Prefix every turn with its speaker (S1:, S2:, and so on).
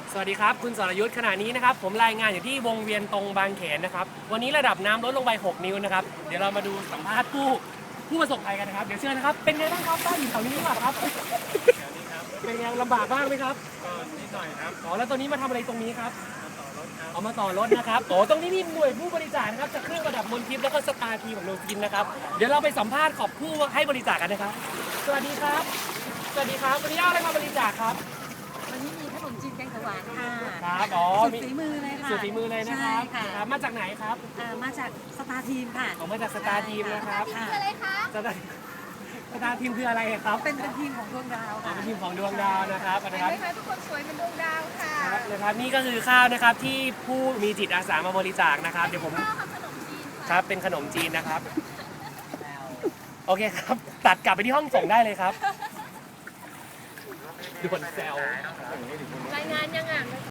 S1: สวัสดีครับคุณสรยุทธ์ขณะนี้นะครับผมรายงานอยู่ที่วงเวียนตรงบางเขนนะครับวันนี้ระดับน้ำลดลงไป6นิ้วนะครับเดี๋ยวเรามาดูสัมภาษณ์ผู้ประสบภัยกันนะครับเดี๋ยวเชิญนะครับเป็นไงบ้างครับบ้านอยู่แถวนี้หรือเปล่าครับเป็นไงลำบากบ้างไหมครับ
S2: ก็นิดหน่อยครับ
S1: อ๋อแล้วตอนนี้มาทำอะไรตรงนี้ครับ
S2: มาต่อรถครับ
S1: เอามาต่อรถนะครับโอ้ตรงนี้มีหน่วยผู้บริจาคนะครับจากเครื่องประดับมนทิพย์แล้วก็สตาร์ทีของโนซินนะครับเดี๋ยวเราไปสัมภาษณ์ขอบผู้ให้บริจาคกันนะครับสวัสดีครับสวัสดีครับวันนี้เอาอะไรมาบริจาคครับ
S3: วันนี้มีขนมจีนแกงเขียวหวานค่ะ
S1: ครับอ๋อ
S3: สุดฝีมือเลยค่ะ
S1: สุดฝีมือเลยนะครับ
S3: ใช่
S1: ครั
S3: ค่ะ
S1: บมาจากไหนครับ
S3: มาจากสตาร์ทีมค่ะ
S1: ออกมาจากสตาร์ทีมนะครับ
S3: ค่ะ
S1: สตาร์ทีมคืออะไรครับ
S3: เป็นทีมของดวงดาว
S1: อ๋อ
S3: ค่ะ
S1: เป็นทีมของดวงดาวนะครับนะครับ
S4: เห็นไหมคะทุกคนสวยเป็นดวงดาวค่ะ
S1: ครับนะครับนี่ก็คือข้าวนะครับที่ผู้มีจิตอาสามาบริจาคนะครับเดี๋ยวผม
S4: ข้าวกับขนมจีน
S1: ค
S4: ค่ะ
S1: รับเป็นขนมจีนนะครับโอเคครับตัดกลับไปที่ห้องส่งได้เลยครับด่วนแซว